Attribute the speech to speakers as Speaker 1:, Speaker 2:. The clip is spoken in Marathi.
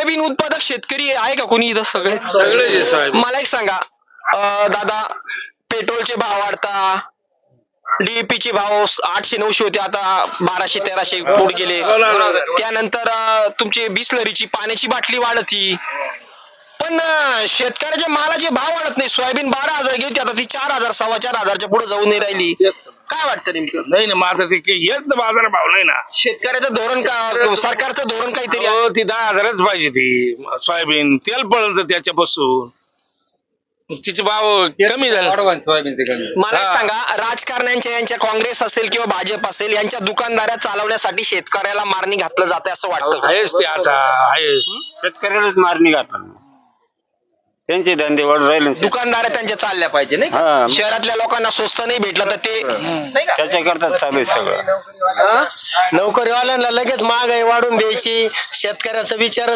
Speaker 1: सोयाबीन उत्पादक शेतकरी आहे का कोणी इथं? सगळे मला एक सांगा दादा, पेट्रोलचे भाव वाढता, DAP चे भाव 800-900 होते, आता 1200-1300 पुढे गेले. त्यानंतर तुमची बिसलरीची पाण्याची बाटली वाढती, पण शेतकऱ्याच्या मालाचे भाव वाढत नाही. सोयाबीन 12,000 घेते, आता ती 4,000 4,500च्या पुढे जाऊन नाही राहिली. काय वाटतं नेमकं?
Speaker 2: नाही ना, माझं ते येत बाजार भाव नाही ना.
Speaker 1: शेतकऱ्याचं धोरण का, सरकारचं धोरण काहीतरी आहे?
Speaker 2: ती 10,000च पाहिजे. ती सोयाबीन तेल पळलं त्याच्यापासून, तिचे भाव कमी झाले.
Speaker 1: मला एक सांगा, राजकारण्यांच्या यांच्या काँग्रेस असेल किंवा भाजप असेल, यांच्या दुकानदाऱ्या चालवण्यासाठी शेतकऱ्याला मारणी घातलं जाते असं वाटतं का?
Speaker 2: आहेच ते आता आहे.
Speaker 3: शेतकऱ्यालाच मारणी घातलं, त्यांचे धंदे वाढून राहिले.
Speaker 1: दुकानदाऱ्या त्यांच्या चालल्या पाहिजे नाही का?
Speaker 3: हा.
Speaker 1: शहरातल्या लोकांना स्वस्त नाही भेटलं तर ते नाही का?
Speaker 3: त्याच्याकरता चालू आहे सगळं.
Speaker 1: नोकरीवाल्यांना लगेच महागाई वाढून द्यायची, शेतकऱ्याचा विचार